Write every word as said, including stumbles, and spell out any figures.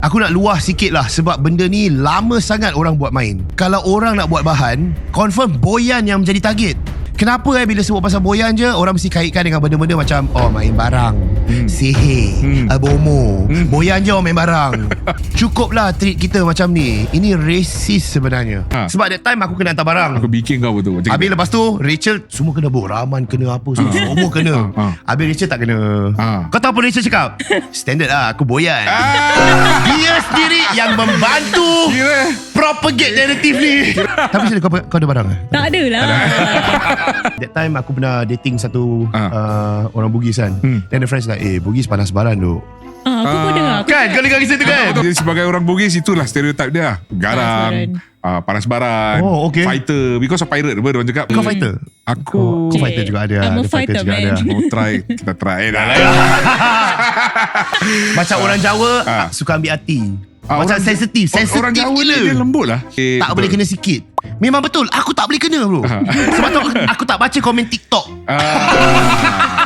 Aku nak luah sikit lah, sebab benda ni lama sangat orang buat main. Kalau orang nak buat bahan, confirm boyan yang menjadi target. Kenapa eh bila sebut pasal boyan je, orang mesti kaitkan dengan benda-benda macam oh main barang, hmm. sihir, hmm. abomo. hmm. Boyan je orang main barang. Cukuplah treat kita macam ni. Ini racist sebenarnya. ha. Sebab that time aku kena hantar barang, Aku bikin kau betul. Habis lepas tu Rachel semua kena buk. Rahman kena apa semua, ha. semua kena. ha. Habis Rachel tak kena. ha. Kau tahu apa Rachel cakap? Standard lah, aku boyan. ah. Dia sendiri yang membantu Kira. propagate narrative ni. Tapi macam kau, kau ada barang ke? Tak ada lah. That time aku pernah dating satu ah. uh, orang Bugis kan. hmm. Then the friends like, eh Bugis panas baran tu. Ah, aku pun dengar. Kan kau dengar kisah tu kan? Dia sebagai orang Bugis, itulah stereotip dia. Garang, uh, panas baran, oh, okay. fighter. Because of pirate, apa orang cakap. Kau fighter? Aku Kau fighter juga ada. I'm a ada fighter, fighter, juga man. ada. Mau try, kita try. Eh, dah lah. Macam orang Jawa ah. suka ambil hati. Ah, Macam orang, sensitif. Sensitif orang Jawa gila. ni dia lembut lah. Eh, Tak betul. boleh kena sikit. Memang betul. Aku tak boleh kena bro. Sebab tu aku, aku tak baca komen TikTok. Ah.